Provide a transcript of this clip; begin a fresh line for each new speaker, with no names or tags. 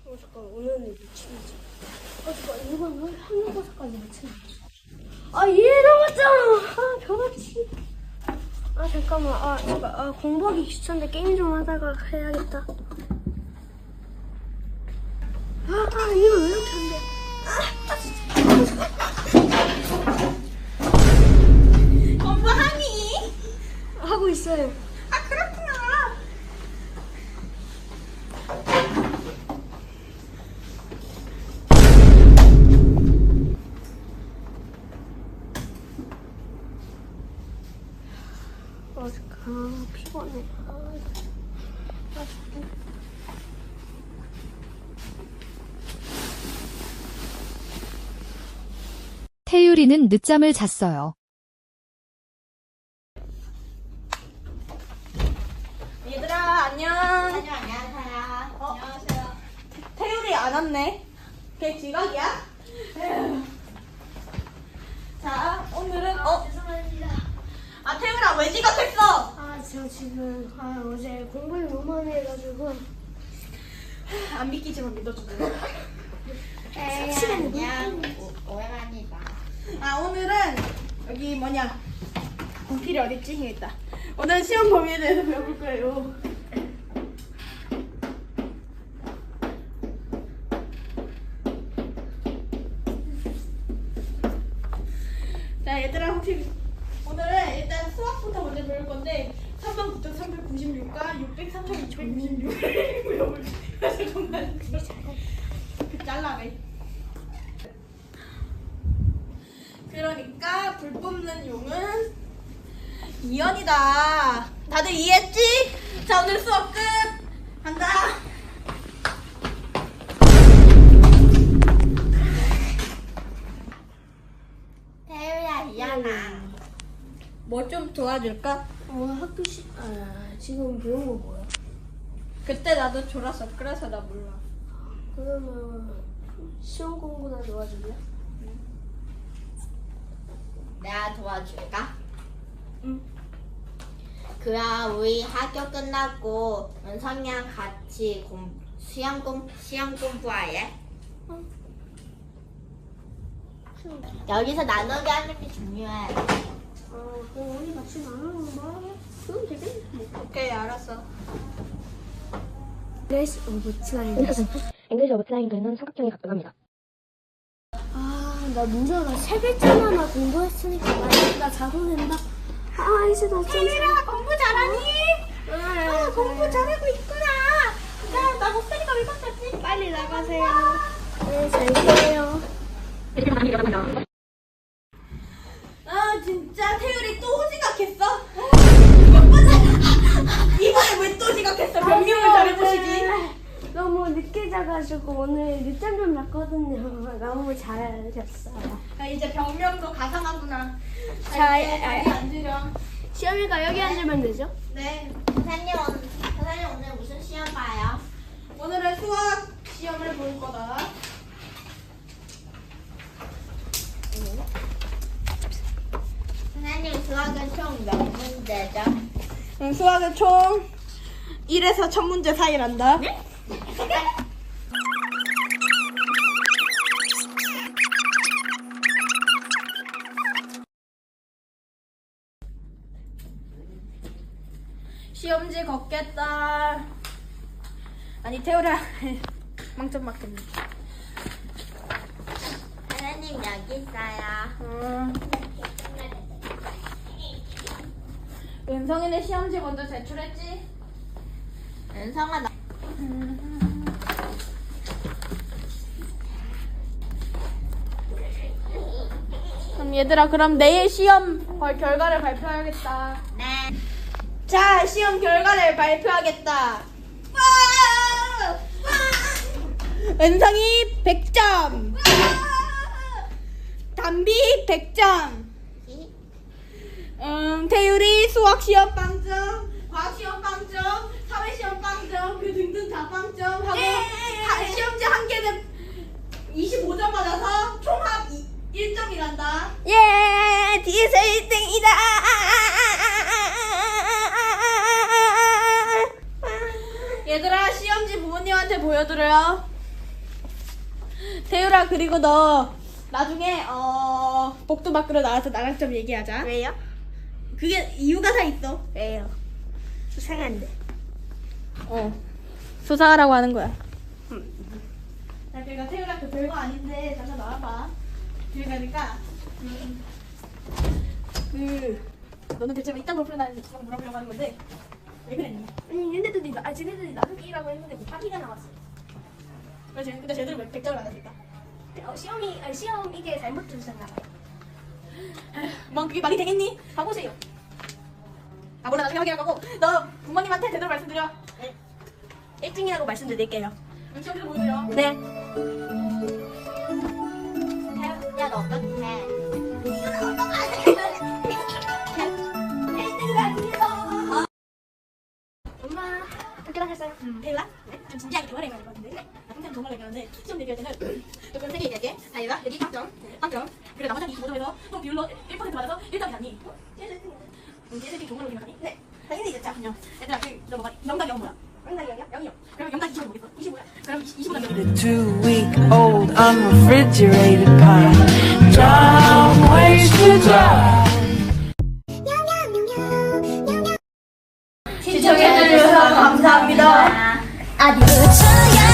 잠깐 오늘은 미치겠지. 잠깐 이건 왜 한국어까지 미치겠지? 얘 남았잖아. 변화치. 잠깐만. 잠깐. 공부하기 귀찮은데 게임 좀 하다가 해야겠다. 이거 왜 이렇게 안 돼?
공부하니?
하고 있어요.
그렇구나.
피곤해.
태유리는 늦잠을 잤어요.
얘들아 안녕.
안녕하세요.
안녕하세요. 태율이 안 왔네. 걔 지각이야? 에휴. 자 오늘은
죄송합니다.
태율아 왜 지각했어?
저 지금 어제 공부를 너무 많이 해가지고
안 믿기지만 믿어주고.
안녕. 오랜만이다.
오늘은 여기 뭐냐 분필이 어딨지? 여기 있다. 오늘 시험 범위에 대해서 배워볼 거예요. 자 얘들아 혹시 오늘은 일단 수학부터 먼저 배울 건데 39,396과 603,296을 배워볼 거예요. 정말 잘라내. 그러니까 불 뽑는 용은 이연이다. 다들 이해했지? 자 오늘 수업 끝. 간다.
태유야, 이현아.
뭐 좀 도와줄까?
학교 지금 배운 거 뭐야?
그때 나도 졸았어. 그래서 나 몰라.
그러면 시험 공부나 도와줄래?
내가 도와줄까?
응.
그럼 우리 학교 끝나고 은성이랑 같이 시험 공부할래? 여기서 나누게 하는 게 중요해.
그럼 우리 같이 나누는 거 말하면 그럼 되겠네.
오케이 알았어.
English of Triangle.
잉글리시 오브 트라이앵글은 삼각형에 가깝습니다.
나 문제가 3글자만 공부했으니까 나 자도 된다. 이제 나 좀.
태율아 공부 잘하니? 공부 잘하고 있구나. 나 목소리가 왜 바뀌었지?
빨리 나가세요. 네, 잘 게요.
이렇게 많이 일어납니다.
진짜 태율이 또 지각했어? 이번에 왜 또 지각했어? 변명을 잘해보시지.
너무 늦게 자가지고 오늘 늦잠 좀 잤거든요. 너무 잘 잤어요.
이제 병명도 가상하구나.
자,
여기 앉으렴.
시험이가 여기 앉으면 되죠?
네.
선생님 오늘 무슨 시험 봐요?
오늘은 수학 시험을 볼 거다.
선생님 수학은 총 몇 문제죠?
수학은 총 1에서 1000문제 사이란다. 시험지 걷겠다. 아니 태우라 망점 맞겠네.
선생님 여기 있어요.
은성이네 시험지 먼저 제출했지?
은성아 나
그럼 얘들아 그럼 내일 시험 결과를 발표하겠다.
네.
자 시험 결과를 발표하겠다. 은성이 100점, 담비 100점, 태율이 수학 시험 빵점, 과학 시험 빵점, 사회 시험 빵점, 그 등등 다 빵점 하고 시험지 한 개는 25점 받아서 총합 1점이란다.
예, 뒤에서 1등이다.
얘들아 시험지 부모님한테 보여드려요. 태율아, 그리고 너 나중에 복도 밖으로 나와서 나랑 좀 얘기하자.
왜요?
그게 이유가 다 있어.
왜요? 수상한데.
수사하라고 하는 거야. 자, 그러니까 태율아, 그 별거 아닌데 잠깐 나와봐. 그러니까 너는 대체 왜 이딴 걸 풀어나는지 물어보려고 하는 건데 왜 그랬니?
아니 쟤네들이 나누기라고 했는데 곱하기가 나왔어.
그래서 근데 쟤들은 왜 100점을 안 했을까?
시험 이게 잘못 주셨나 봐요.
뭐 그게 말이 되겠니?
가보세요.
아 몰라, 나중에 확인할 거고 너 부모님한테 제대로 말씀드려.
1등이라고 말씀드릴게요.
시험지도 보여드려.
네.
야, 너 어떡해?
엄마 학교 다녔어요.
태율아? 좀 진지하게 대화를 해야 될 것 같은데? 나 평생 정말 얘기하는데 시험 얘기할 때는 조금 세게 얘기할게. 자, 얘가 여기 3점 그리고 나머지 25점에서 또 비율로 1% 받아서 1점이 아니 얘들이 종으로 기억하니? 네 당연히 이제 자, 그냥 얘들아, 너 뭐가 0당 0 뭐야? 0이요? 그럼 0당 25 뭐겠어? 25야? 그럼 25당 0이
2-week-old unrefrigerated pie. Don't waste your time.
시청해주셔서 감사합니다.
아디오.